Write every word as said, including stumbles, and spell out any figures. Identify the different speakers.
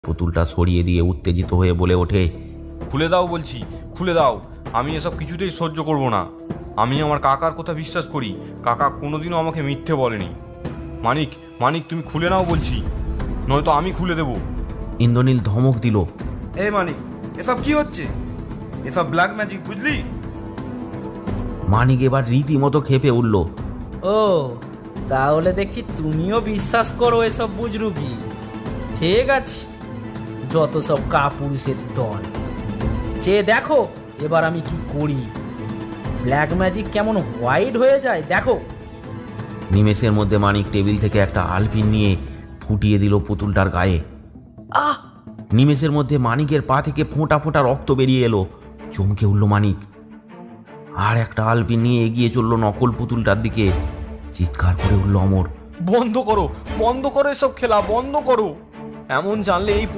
Speaker 1: পুতুলটা সরিয়ে দিয়ে উত্তেজিত হয়ে বলে ওঠে,
Speaker 2: খুলে দাও বলছি, খুলে দাও। আমি এসব কিছুতেই সহ্য করব না। আমি আমার কাকার কথা বিশ্বাস করি। কাকা কোনোদিনও আমাকে মিথ্যে বলেনি। মানিক, মানিক তুমি খুলে নাও বলছি, নয়তো আমি খুলে দেব।
Speaker 1: ইন্দ্রনীল ধমক দিল,
Speaker 3: এই মানিক, এসব কি হচ্ছে? এসব ব্ল্যাক ম্যাজিক, বুঝলি?
Speaker 1: মানিক এবার রীতিমতো খেপে উঠল।
Speaker 4: ও তাহলে দেখছি তুমিও বিশ্বাস করো এসব বুজরুকি। ঠিক আছে, যত সব কাপুরুষের দল, চেয়ে দেখো এবার আমি কি করি। ব্ল্যাক ম্যাজিক কেমন হোয়াইট হয়ে যায় দেখো।
Speaker 1: নিমেষের মধ্যে মানিক টেবিল থেকে একটা আলপিন নিয়ে ফুটিয়ে দিল পুতুলটার গায়ে।
Speaker 4: আহ!
Speaker 1: নিমেষের মধ্যে মানিকের পা থেকে ফোঁটা ফোঁটা রক্ত বেরিয়ে এলো। চমকে উঠল মানিক, আর একটা আলপিন নিয়ে এগিয়ে চলল নকল পুতুলটার দিকে। চিৎকার করে উঠল অমর,
Speaker 2: বন্ধ করো, বন্ধ করো এসব খেলা, বন্ধ করো। এমন জানলে এই